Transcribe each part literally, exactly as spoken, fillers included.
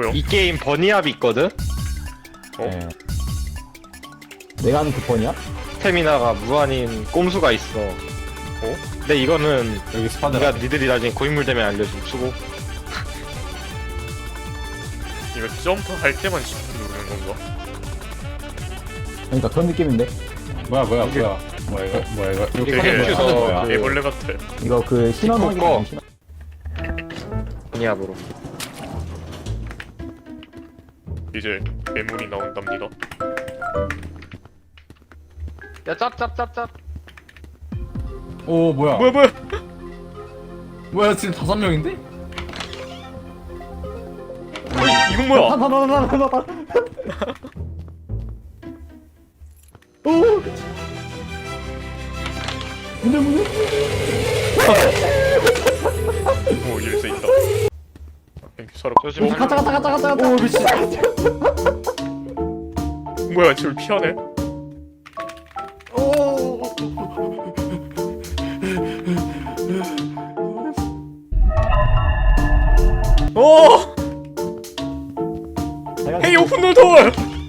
뭐요? 이 게임 버니압이 있거든? 어? 네. 내가 아는 그 번이야? 스태미나가 무한인 꼼수가 있어. 어? 근데 이거는 여기 스파드. 네가 니들이 나중에 고인물 되면 알려줌. 수고. 이거 점프 할 때만 시프트 누르는 건가? 그러니까 그런 느낌인데. 뭐야 뭐야 이게- 뭐야 뭐야 이거 뭐야 이거 이거 이게 되게 컴퓨터 뭐야? 그 애벌레 같아. 이거 그 신원 디코 거. 확인. 신원. 버니압으로. 이제 괴물이 나온답니다. 야 짭짭짭짭. 오 뭐야 뭐야 뭐야? 뭐야 지금 다섯 명인데? 이건 뭐야? 나나나나나나. 오. 문제 문제. 오 열쇠 있다. 땡큐 살아. 저 지금 오 가자 가자 가자 가자 가자. 오 미친. 뭐야 저를 피하네? 오. 오! 헤이 오픈 노 도어!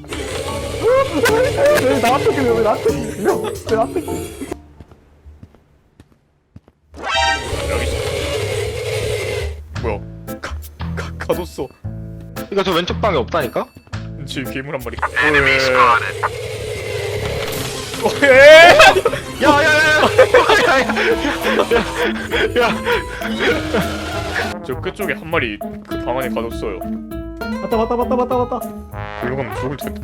왜 나한테 그래? 왜 나한테 그래? 왜 나한테 그래? 여기 있어. 뭐야? 가, 가, 가뒀어. 이거 저 왼쪽 방에 없다니까? 지금 괴물 한 마리. 오, 에! 야야야야야야야. 저 끝쪽에 한 마리 그 방 안에 가뒀어요. 맞다 맞다 맞다 맞다 맞다. 글로 가면 죽을 텐데.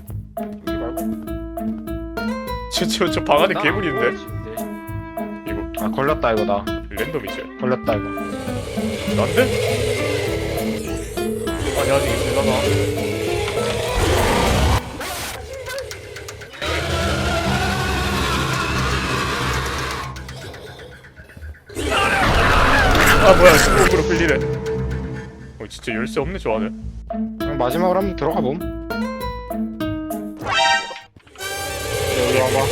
저저 저 방 안에 괴물이 있는데? 이거 아 걸렸다 이거 나. 랜덤이지? 걸렸다 이거. 난데? 아니 아직 있을라나? 아 뭐야 스모크로 흘리네. 어 진짜 열쇠 없네 저 안에. 그럼 마지막으로 한번 들어가 봄. 여기 와봐.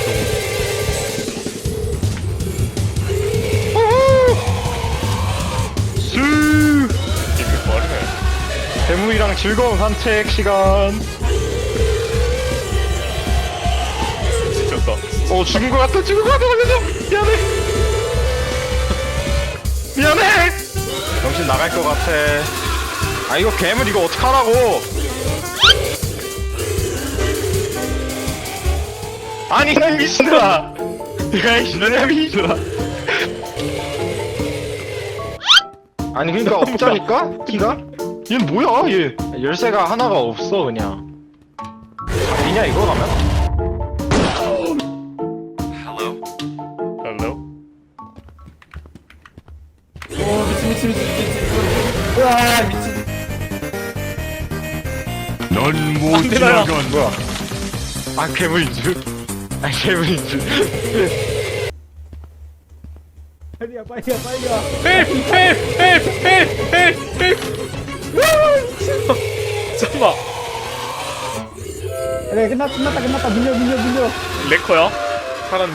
수 이게 빠르네. 괴물이랑 즐거운 산책 시간. 지쳤다. 어 죽은 거 같아 죽은 거 같아 걸려줘. 미안해. 미안해. 정신 나갈 것 같아. 아 이거 괴물 이거 어떡하라고. 아니 난 미친놈아. 내가 이 너네 미친놈아. 아니 그니까 없자니까? 키가? 얘는 뭐야 얘. 열쇠가 하나가 없어 그냥. 잡히냐 이거 가면? 헬로? 오 미친 미친 미친 미친 으아 미친 넌못 안 되나요? 뭐야? 아 괴물인 줄? 아 괴물인 줄? 빨리야 빨리야 빨리야. 헬프! 헬프! 헬프! 헬프! 헬프! 헬프! 잠깐만. 그래 끝났 끝났다 끝났다 밀려 밀려 밀려. 레커야? 살았니?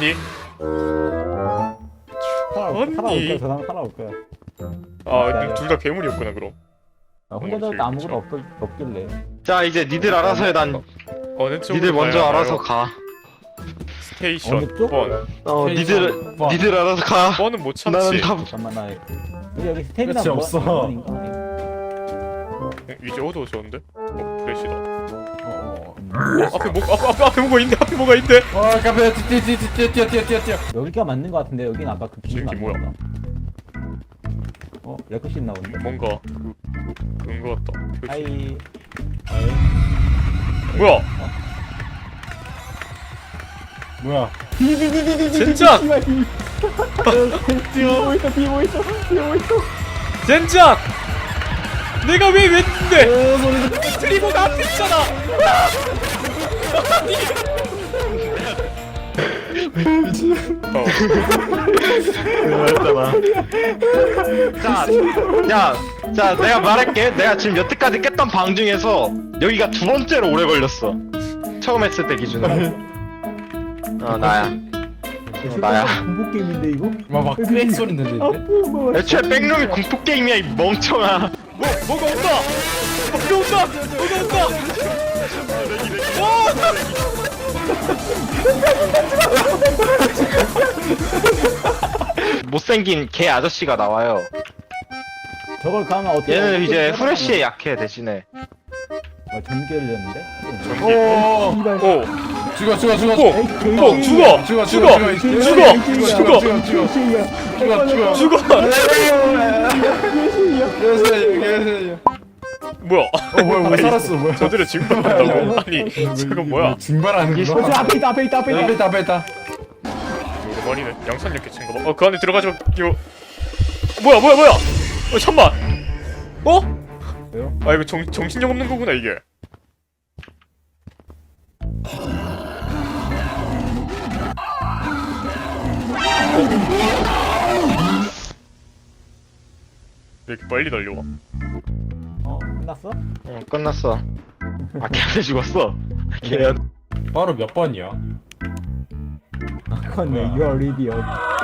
살아올 언니. 거야 살아올 거야 저 사람 살아올 거야. 아 둘 다 괴물이었구나 그럼. 아, 혼자 잡을 때 아무것도 없, 없길래. 자 이제 니들 알아서 해. 난 어느 쪽으로 니들 먼저 가야 알아서 하나요? 가. 스테이션 어느 쪽? 번. 어 니들 번. 니들 알아서 가. 번은 못 나는 참지. 다 잠깐만 나 여기 여기 스테미나 그치, 뭐- 없어. 뭐인가? 어, 이제 어두워졌는데? 어 프레시다. 어, 어. 앞에 뭐 앞에, 앞에 앞에 뭐가 있네. 앞에 뭐가 있네. 와 카페 뛰어 뛰어 뛰어 뛰어 뛰어 뛰어 뛰어 여기가 맞는 거 같은데 여긴 아까 그 기준 저기 뭐야? 맞는 거다. 어 레크신 나오는데. 뭔가 그, 그런 거 같다. 표지. 하이. 뭐야? 뭐야 젠장! 뒤에 있어 뒤에 있어 뒤에 있어. 젠장! 내가 왜 왼인데? 트리버가 앞에 있잖아. 어. 그랬잖아. 자, 야, 자 내가 말할게. 내가 지금 여태까지 깼던 방 중에서 여기가 두 번째로 오래 걸렸어. 처음 했을 때 기준으로. 어 나야. 어, 나야. 공포 게임인데 이거? 막막 크랙 소리 아 들리는데 뭐 애초에 백룸이 공포 게임이야 이 멍청아. 뭐 뭐가 온다. 뭐가 온다. 뭐가 온다. 못생긴 개 아저씨가 나와요. 저걸 가면 어떻게? 얘는 이제 후레쉬에 약해 대신에. 아, 전기를 냈는데? 전기. 오. 오. 죽어 죽어 죽어. 오. 오. 죽어. 죽어 죽어. 죽어 죽어. 죽어 죽어. 죽어 죽어. 죽어. 계세요 계세요. 뭐야? 어 뭐야 왜 살았어 뭐야? 저들의 증발한다고? 아니 저건 뭐야? 증발하는 저 거? 앞에 있다 앞에 있다 앞에 앞에 있다. 있다 앞에 있다. 오랜만이네. 양산력 개친가 봐. 어, 그 안에 들어가지 마. 이거 뭐야 뭐야 뭐야? 어 잠만. 어? 왜요? 아 이거 정 정신력 없는 거구나 이게. 왜 이렇게 빨리 달려와? 어 끝났어? 응 끝났어. 아 걔한테 죽었어. 걔. 바로 몇 번이야? 그건 내 You are idiot.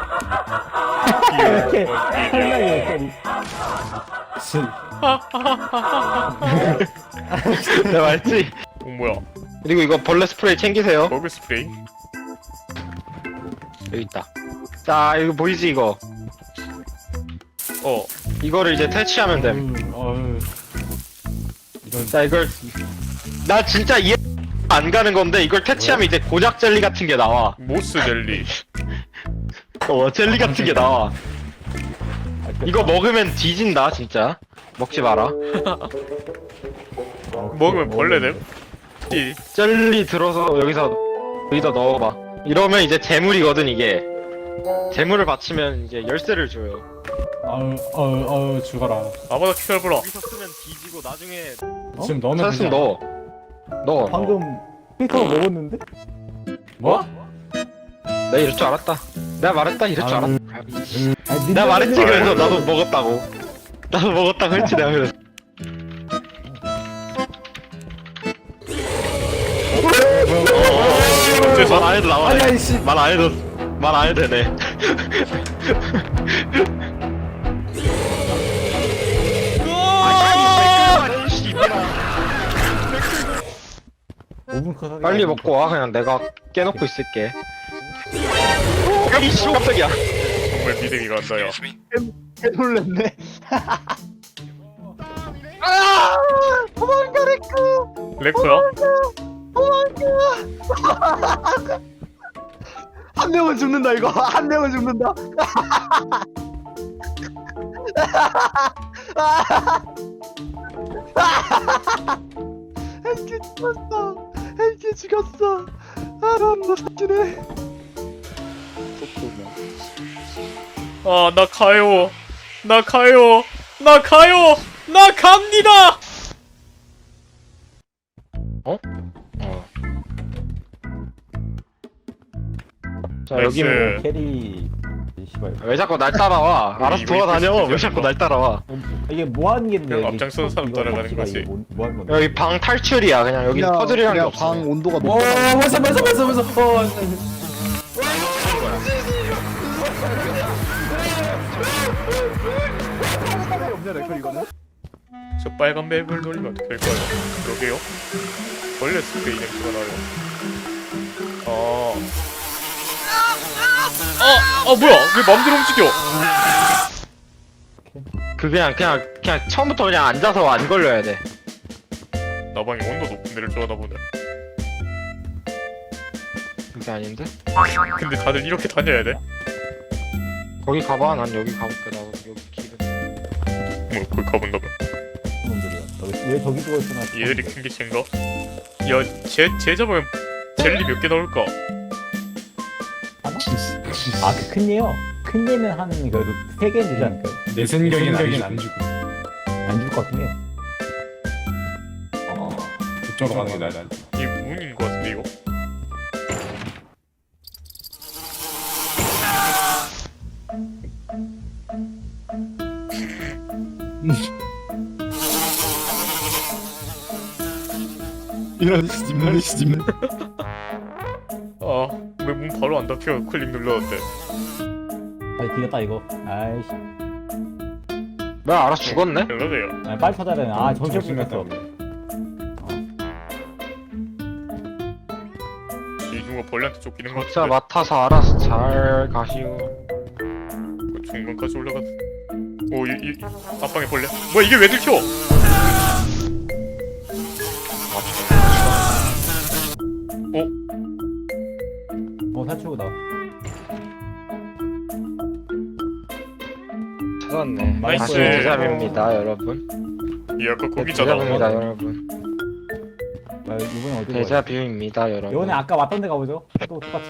이렇게 설명이 소리. 내가 말했지. 어 뭐야? 그리고 이거 벌레 스프레이 챙기세요. 버그 스프레이? 여기 있다. 자 이거 보이지 이거. 어. 이거를 이제 퇴치하면 됨. 음, 어휴. 이런 자 이걸 나 진짜 이해 안 가는 건데 이걸 퇴치하면 이제 고작 젤리 같은 게 나와. 모스 젤리. 어 젤리 같은 게 나와. 아, 이거 먹으면 뒤진다 진짜. 먹지 마라. 먹으면 벌레 됨? 이. 젤리 들어서 여기서 여기다 넣어봐. 이러면 이제 재물이거든 이게. 재물을 바치면 이제 열쇠를 줘요. 아유 아유 아유 죽어라. 아마다 키kal브라. 여기서 쓰면 뒤지고 나중에 지금 넣으면 찾았으면 되지 않아? 넣어. 넣어. 방금 피터 먹었는데? 뭐? 내가 이럴 줄 알았다. 내가 말했다 이럴 줄 아유. 알았다. 아니, 내가 말했지 니네들은- 그래서 나도 먹었다고. 나도 먹었다고 했지 내가 그래서. 어째서? 말 안 해도 나와. 아니 씨. 말 안 해도 말 안 해도 되네. 오 분 컷 빨리 먹고 와 그냥 내가 깨놓고 있을게. 이씨 깜짝이야. 정말 믿음이 간다야. 놀랬네. 아 도망가 레크. 레코야? 한 명은 죽는다 이거. 한 명은 죽는다. 헬기 죽었어. 헬기 죽었어. 아 너무 사기네. 아, 나 가요. 나 가요. 나 가요. 나 갑니다. 어? 어. 자 나이스. 여기 뭐. 캐리 씨발. 왜 자꾸 날 따라와? 우리 알아서 이거 돌아다녀. 입고 왜 싶지 자꾸 않나? 날 따라와? 이게 뭐 하는 게인데? 그냥 앞장서는 사람 따라가는 거지. 뭐, 뭐 하는 건데? 여기 방 탈출이야. 그냥 여기 퍼즐이라는 게 그냥 없어. 방 온도가 어 높아. 벌써 벌써 벌써 벌써. 어. 없냐 레클 이거는? 저 빨간 맵을 노리면 어떻게 될까요? 그러게요. 벌레 스프레이 냄새가 나요. 아. 아, 아 뭐야? 왜 맘대로 움직여? 그 그냥 그냥 그냥 처음부터 그냥 앉아서 안 걸려야 돼. 나방이 온도 높은 데를 좋아하나 보네. 그게 아닌데? 근데 다들 이렇게 다녀야 돼? 거기 가봐. 난 여기 가볼게. 나도 여기 길은. 뭐 거기 가본다면. 놈들이야. 너 왜 저기 누워 있구나? 얘들이 큰 게 쟤인가? 야, 쟤, 쟤 잡으면 젤리 몇 개 넣을까? 아, 그 큰 얘요? 큰 얘는 한 그래도 세 개는 되지 않을까요? 내 생각엔 안 죽고. 안 줄 것 같긴 해. 그쪽으로 가는 게 나아. 이게 문인 거 같은데 이거? 이런 씨발 씨발. 아, 왜 문 바로 안 닫혀? 클릭 눌렀는데. 아, 뒤졌다 이거. 아이씨. 뭐야 알아서 죽었네? 그러네요. 아, 빨리 찾아야 되네. 아, 정신 없으면서. 이 누가 벌레한테 쫓기는 거 각자 같은데. 맡아서 알아서 잘 가시오. 중간까지 올라가. 오, 이, 이 앞방에 벌레. 뭐야 이게 왜 들켜? 어, 탈출구다. 찾았네. 나이스. 다시 대잡입니다 여러분. 이 아까 거기잖아. 대잡입니다 여러분. 아, 이번엔 어디 가요? 대자뷰입니다 여러분. 이번에 아까 왔던 데 가보죠. 또 똑같이.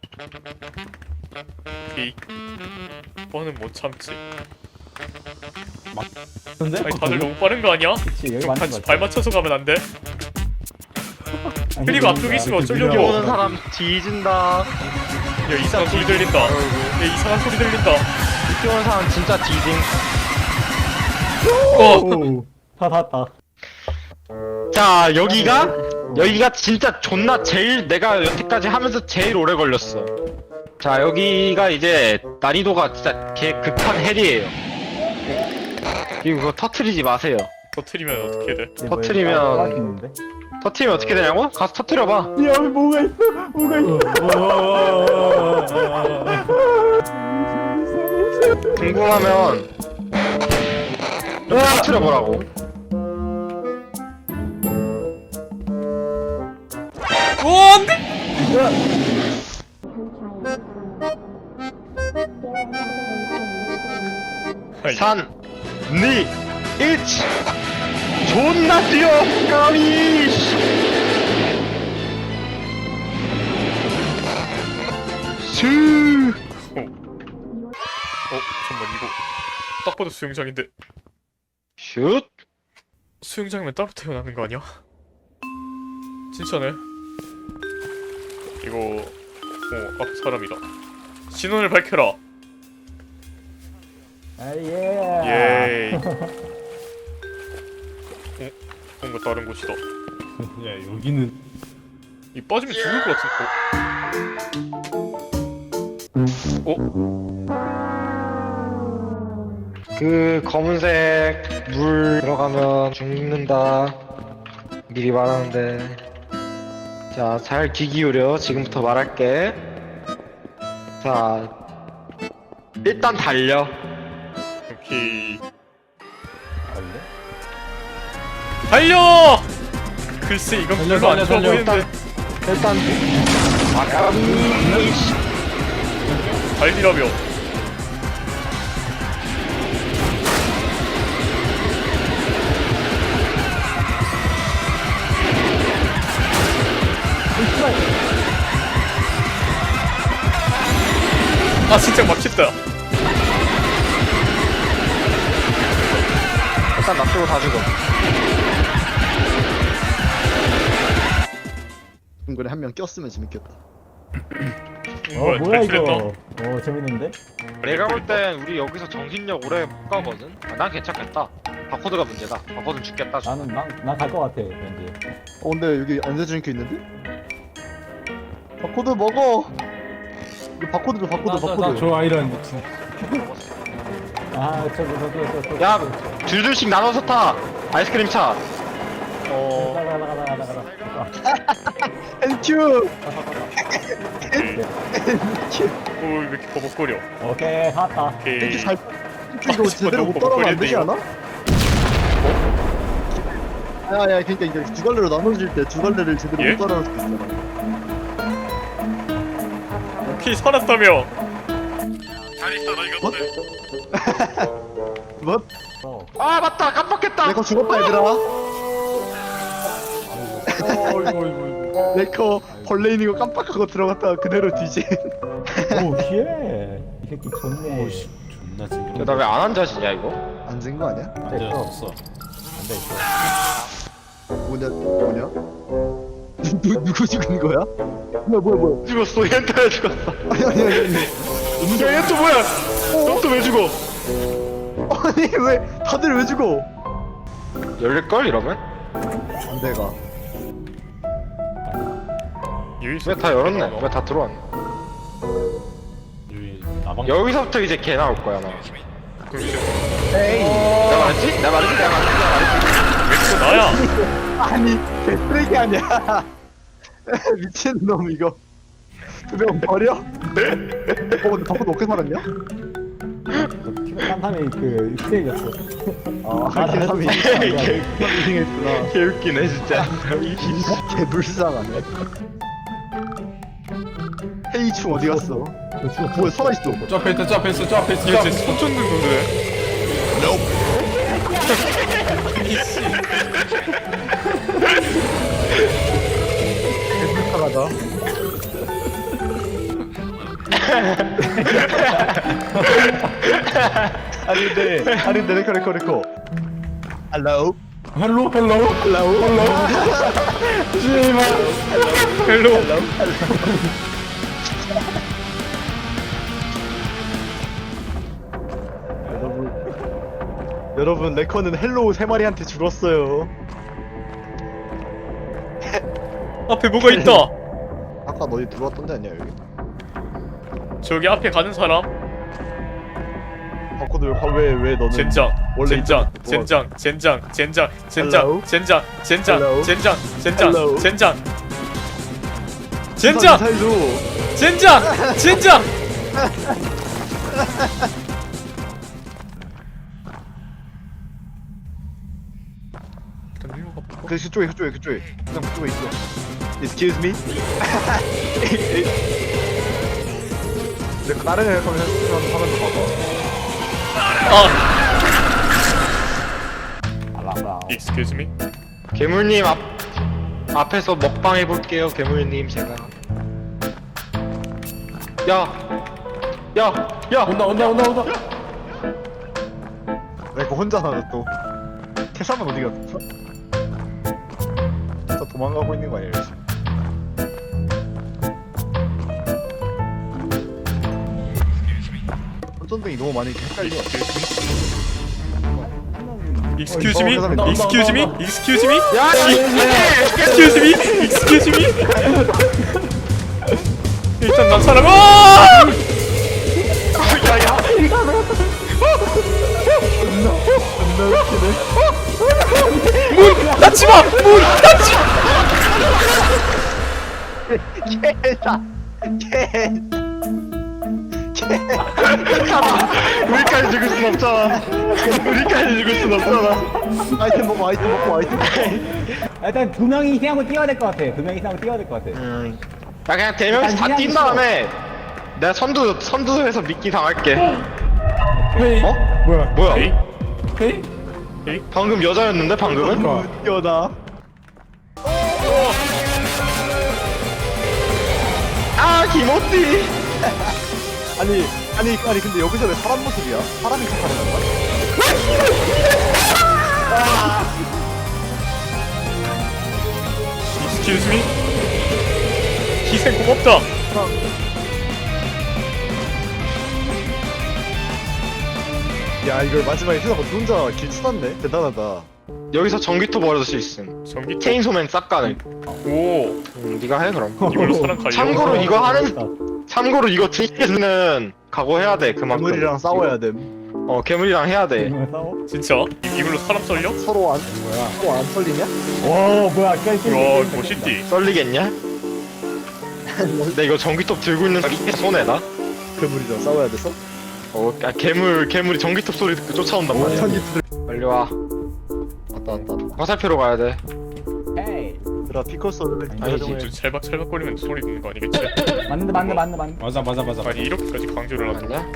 이 뻔은 못 참지. 근데? 아니 다들 너무 빠른 거 아니야? 그치, 여기 좀 맞는 같이 거 같아. 발 맞춰서 가면 안 돼? 아니, 그리고 이거 앞쪽에 있으면 이렇게 어쩌려고. 밀어. 오는 사람 뒤진다. 야 이상한 소리 들린다. 야 이상한 소리 들린다. 늦게 오는 사람 진짜 뒤징. 어. 오, 다 닿았다. 자 여기가 여기가 진짜 존나 제일 내가 여태까지 하면서 제일 오래 걸렸어. 자 여기가 이제 난이도가 진짜 개 극한 헬이에요. 그리고 그거 터트리지 마세요. 터트리면 어떻게 돼? 이게 뭐야, 터트리면- 따라가기 있는데? 터트리면 어떻게 되냐고? 가서 터트려봐. 야, 뭐가 있어? 뭐가 있어? 궁금하면 터트려보라고. 오 안돼! 아이, 삼, 이, 일 존나 뛰어! 까미! 슈! 어. 어 잠만 이거 딱 봐도 수영장인데 슛! 수영장이면 따로 태어나는 거 아니야? 진짜네. 이거 어 앞에 사람이다. 신원을 밝혀라. 아, 예. 예이. 어? 뭔가 다른 곳이다. 야 여기는 이 빠지면 죽을 것 같은. 어? 그 검은색 물 들어가면 죽는다. 미리 말하는데. 자, 잘 귀 기울여. 지금부터 말할게. 자, 일단 달려. 오케이. 아닌데? 달려! 글쎄 이건 달려, 별로 안 달려, 좋아 달려. 보이는데. 일단 아까미 달리라며. 아 진짜 막혔다. 일단 놔두고 다 죽어. 중간에 한 명 꼈으면 재밌겠다. 어, 뭐야, 탈출했다. 이거. 어, 재밌는데? 내가 볼 땐 우리 여기서 정신력 오래 못 가거든. 아, 난 괜찮겠다. 바코드가 문제다. 바코드는 죽겠다. 나는, 난, 난갈 것 같아, 왠지. 어 근데 여기 안 해주니까 있는데? 바코드 먹어. 이거 바코드 줘 바코드 바코드. 저 아이런 미친. 아, 저기, 저기, 저기, 저기. 야, 둘둘씩 나눠서 타. 아이스크림 차. 어. 나가, 나가, 나가, 나가, 나가. 땡큐. 오왜 이렇게 버벅거려? 오케이, 샀다. 오케이. 땡큐 잘. 땡큐 이거 아, 제대로 너무 못 따라가면 안 되지 버벅거리는데, 않아? 야야 그러니까 이제 두 갈래로 나눠질 때 두 갈래를 제대로 예? 못 따라갈 수도 있잖아. 오케이 살았다며. 잘 있어 너 이거. 뭐? 어. 아 맞다 깜빡했다. 내거 죽었다 얘들아. 어이구 어이구 어이구. 내거 벌레 있는 거 깜빡하고 들어갔다가 그대로 뒤진. 오, 쉣. 이 새끼 좋네. 오씨 존나 징그러. 나 왜 안 앉아지냐 이거? 앉은 거 아니야? 앉아졌어. 앉아있어. 뭐냐 뭐냐? 누 누구 죽은 거야? 뭐야 뭐야 뭐야? 죽었어. 얘한테 왜 죽었어? 아니 아니 아니 아니. 야, 얘 또 뭐야? 너 또 왜 죽어? 아니 왜 다들 왜 죽어? 열릴걸 이러면? 내가 여기서 왜 다 열었네? 왜 다 들어왔네? 여기 나방. 여기서부터 이제 개 나올 거야 나. 그럼 이제 에이. 내가 말했지? 내가 말했지? 내가 말했지? 내가 말했지? 왜 또 나야? 아니 개쓰레기 아니야. 미친 놈 이거. 두명 버려? 어 근데 덕분 어떻게 살았냐? 딴 사람이 그 희생이었어. 아 한 사람이 희생했구나. 개웃기네 진짜. 개불쌍하네. 헤이충 어디 갔어? 뭐야 살아있어. 저 앞에 있다 저 앞에 있어 저 앞에 있어 저 이거 앞에 진짜 있어. 손 쫓는 건데. 불쌍하다. 아니 근데 아니 근데 레코 레코 레코. Hello. 헬로 헬로 헬로 헬로. 씨발. 헬로. 여러분 여러분 레코는 헬로우 세 마리한테 죽었어요. 앞에 뭐가 있다. 아까 너희 들어왔던데 아니야 여기? 저기 앞에 가는 사람. 바코드 왜왜 너는 젠장. 원래 젠장. 있던- 젠장. 젠장. 젠장. 젠장. Hello? 젠장. 젠장. Hello? 젠장. 젠장. Hello? 젠장. 우선 젠장. 살도 젠장. 젠장. 일단 일로 가볼까? 그 그쪽에 그쪽에 그쪽에 그냥 그쪽에 있어. Excuse me. 내가 다른 애 하면 하면서 봐봐. 아. 알라. Excuse me. 괴물님 앞 앞에서 먹방 해볼게요. 괴물님 제가. 야, 야, 야. 온다 온다 온다 온다. 내가 혼자 나또 태사만 어디 갔어? 다 도망가고 있는 거 아니야 지금? 손전등이 너무 많이 헷갈려. Excuse me. 어, 어, Excuse me. Excuse me. 야, Excuse me. Excuse me. 일단 난 사람. 아! 문 닫지 마. 문 닫지. 개다. 개. 우리까지 죽을 순 없잖아. 우리까지 죽을 순 없잖아. 아이템 먹고 아이템 먹고 아이템 먹고. 일단 두 명이 희생하고 뛰어야 될 것 같아. 두 명이 희생하고 뛰어야 될 것 같아. 음, 나 그냥 대명이 다 뛴 다음에 내가 선두 선두에서 미끼 당할게. 헤이. 어? 뭐야? 뭐야? 에이? 헤이. 방금 여자였는데 방금은? 웃겨다. 아 김호띠. 아니 아니 아니 근데 여기서 왜 사람 모습이야? 사람이 착하는 건가? Excuse me. 희생 고맙다. 야 이걸 마지막에 휴가 혼자 길 찾았네. 대단하다. 여기서 전기톱 버려줄 수 있음. 전기 체인소맨 싹 가능. 오. 음, 네가 해 그럼. 이걸로 사람 갈려. 참고로 이거 하는 참고로 이거 트리는 각오해야 돼 그만큼. 괴물이랑 싸워야 됨. 어 괴물이랑 해야 돼. 두 싸워? 진짜? 이- 이걸로 사람 썰려? 서로 안 뭐야? 서로 안 털리냐? 오 뭐야? 게임 게임, 와 게임, 게임, 멋있디. 썰리겠냐? 근데 이거 전기톱 들고 있는 사람이 손해나? 괴물이랑 싸워야 돼서? 어, 아, 괴물 괴물이 전기톱 소리 듣고 쫓아온단 말이야. 천기 빨리 와. 왔다 왔다. 왔다. 화살표로 가야 돼. 헤이. 얘들아 피커스를 아니지. 좀 찰박찰박거리면 소리 듣는 거 아니겠지? 맞는데 맞는데 맞는데 맞는데. 맞아 맞아 맞아. 아니 이렇게까지 강조를 하고. 맞냐?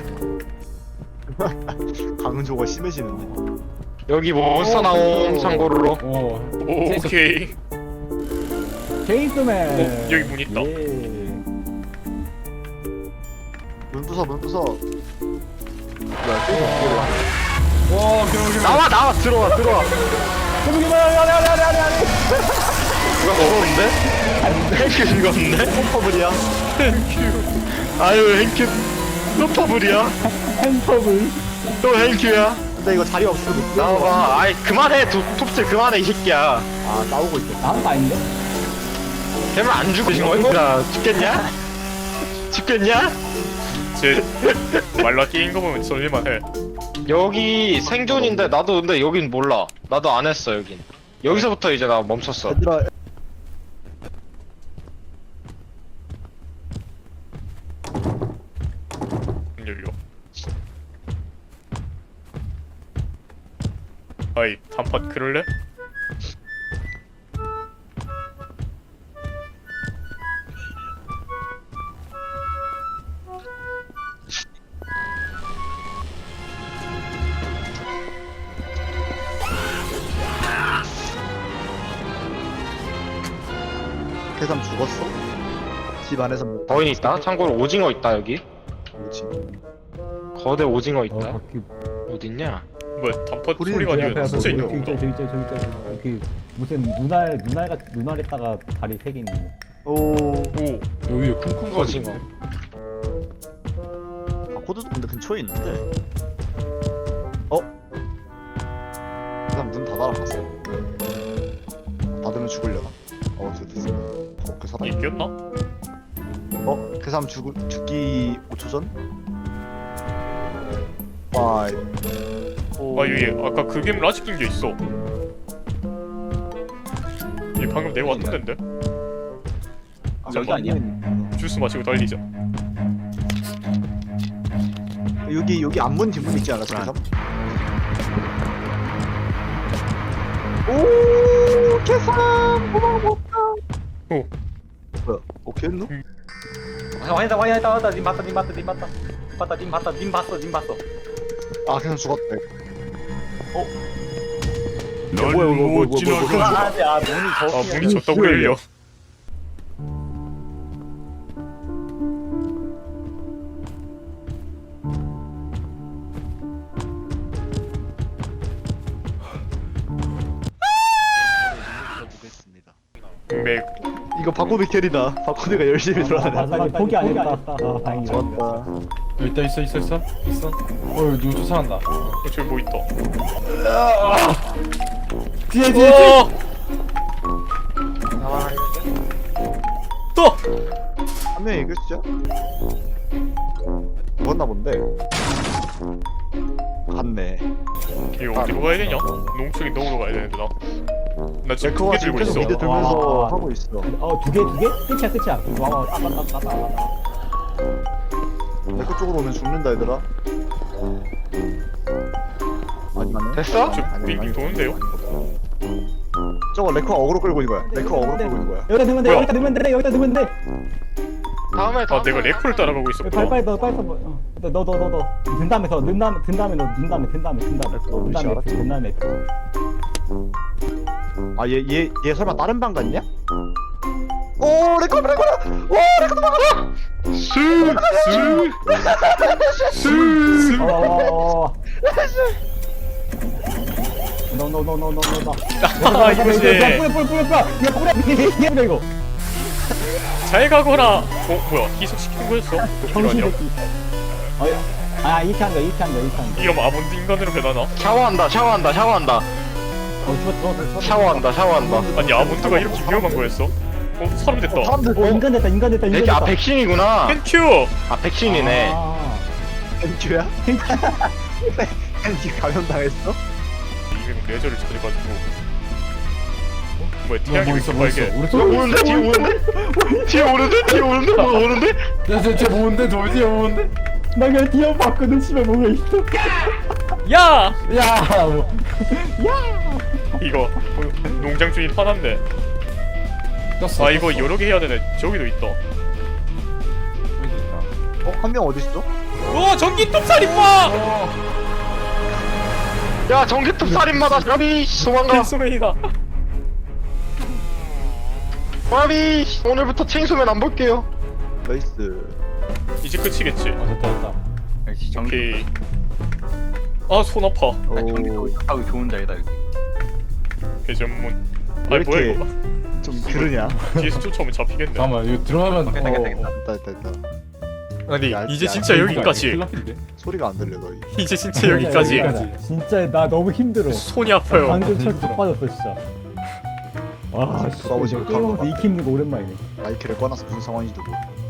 강조가 심해지는데. 여기 몬스터 나옴 참고로. 오. 오, 오케이. 제이스맨. 어, 여기 문 있다. 예. 문 부숴 문 부숴. 야 게임 어떻게 돼? 와 괴물 괴물. 나와 나와 들어와 들어와. 괴물 괴물 아니 아니 아니 아니 아니. 누가 죽었는데? 행큐 죽었는데? 퍼블이야. 아유 행큐 또 퍼블이야? 펜터블. 또 행큐야? 근데 이거 자리 없으면 못 쓰는 거야. 나와봐. 아이 그만해 도, 톱질 그만해 이 새끼야. 아 싸우고 있어. 나온 거 아닌데? 걔만 안 죽으신 거야? 야 죽겠냐? 죽겠냐? 쟤 말라 끼인 거 보면 썰릴만 해. 여기 생존인데 나도 근데 여긴 몰라. 나도 안 했어 여긴. 여기서부터 이제 나 멈췄어. 얘들아 문 열려. 아이 단팥 그럴래? 계산 죽었어? 집 안에서 뭐 거인 있다. 참고로 오징어 있다 여기. 뭐지? 거대 오징어 어, 있다. 바퀴. 어딨냐? 뭐야 단팥 우리 소리가 저기 아니라 앞에 진짜 저기 있는 있죠, 거구나. 저기 있죠, 저기 있죠, 저기 있죠. 그 무슨 눈알 눈알가 눈알에다가 다리 세 개 있는 거. 오 오 여기 쿵쿵 오징어. 바코드도 근데 근처에 있는데 어? 계산 문 닫아놨어 닫으면 죽으려나? 어 됐어 됐어 어, 그 사람 이겼나? 어? 그 사람 죽, 죽기 오 초 전? 파이 오. 아 여기 아까 그 괴물 아직 낀게 있어. 얘 방금 내가 왔던 덴데? 아, 여기 아니야? 주스 마시고 달리자. 여기 여기 앞문 뒷문 있지 않았어? 계산? 오 계산 도망 못가 오. 뭐야 오케이 했노? 왔다 왔다 왔다 님 봤다 님 봤다 님 봤다 봤다 님 봤다 님 봤어 님 봤어. 아 계산 죽었대 널 뭐야, 뭐야, 뭐야, 못 뭐야, 지나가. 뭐야. 아, 네, 아 문이 저. 아 문이 졌다고 열려. 맥 이거 바코드 캐리다 바코드가 열심히 돌아다녀 마지막에 포기 안 했다. 아, 다행이다. 좋았다 여기 있다 있어 있어 있어 있어. 어 여기 누구 쫓아간다. 어, 저기 뭐 있다. 뒤에 뒤에 뒤에. 어! 또! 한 명이 이겼죠? 죽었나 본데 갔네 이거 어디로 가야 되냐? 농축이 넣으러 가야 되는데 나. 나 지금 두 레코가 개 지금 들고 계속 있어. 미드 들면서 아. 하고 있어 어두 개 두 개? 끝이야 끝이야. 와와 왔다 왔다 왔다 왔다. 레코 쪽으로 오면 죽는다 얘들아 아니 맞네 됐어? 저 아니, 빙빙 아니. 도는데요? 저거 레코가 어그로 끌고 있는 거야 레코가 어그로 끌고 있는 거야 여기다 넣으면 돼 뭐야? 여기다 넣으면 돼 여기다 넣으면 돼. 다음에 아 다음에. 내가 레코를 따라가고 빨리 있었구나. 빨리 너 빨리 너너 너 너너든 다음에 더든 다음에 든 다음에 너든 다음에 든 다음에 든 다음에 든 다음에 알았지? 든 다음에 아 얘 얘 얘 설마 다른 방 갔냐? 오 레코 레코 오 레코 도망가라 스! 스! 스! 어어어 노노노노노노노 아 이거지. 뿌려 뿌려 뿌려 뿌려 이거 뿌려 이거 뿌려 이거 잘 가거라. 어 뭐야 희석시킨 거였어? 정신 이러냐? 새끼 어야 아 이렇게 한다 이렇게 한다 이렇게 한다 이러면 아몬드 인간으로 변하나? 샤워한다 샤워한다 샤워한다 어 죽었어 죽었어 샤워한다 샤워한다. 아니 아몬드가 이렇게 위험한 거였어? 어 사람 됐다. 사람들 어 인간 됐다 인간 됐다 인간 백이 됐다 아 백신이구나. 땡큐! 아 백신이네. 아, 땡큐야? 땡큐 감염당했어? 이게 레저를 찾아가지고 어? 뭐야 뭐, 태양이 뭐 왜 있어 이렇게 뭐 빨개? 있어. 오른쪽 어, 오는데 뒤에 오는데? 뒤에 오는데? 뒤에 오는데? 뭐 오는데? 야쟤쟤 뭔데 저 뒤에 뭔데? 나 그냥 뛰어봤거든 집에 뭐가 있어 야! 야 뭐. 이거 어, 농장 주인 화났네. 떴어. 아 이거 여러 개 해야 되네. 저기도 있다. 여기 있다. 어? 한 명 어딨어? 오 전기톱 살인마! 야 전기톱 살인마다 까비 도망가. 필소맨이다. 까비 오늘부터 칭수맨 안 볼게요. 나이스 이제 끝이겠지. 어 됐다 됐다 오케이. 아 손 아파. 오 하고 좋은 자리다 여기. 회전문. 왜 아니 뭐야 이렇게- 이거? 좀 그러냐? 뒤에서 쫓아오면 잡히겠네. 잠깐만 이거 들어가면 어 됐다, 됐다. 됐다 됐다 됐다 아니 야, 이제 야, 진짜 여기까지. 큰일 났는데? 소리가 안 들려 너희 이제 진짜 여기까지. 진짜 나 너무 힘들어 손이 아파요. 방금 철 빠졌어 진짜 와 씨, 돌아오지 게임하면서 익히 힘든 거 오랜만이네 마이크를 꺼놔서 무슨 상황인지도 모르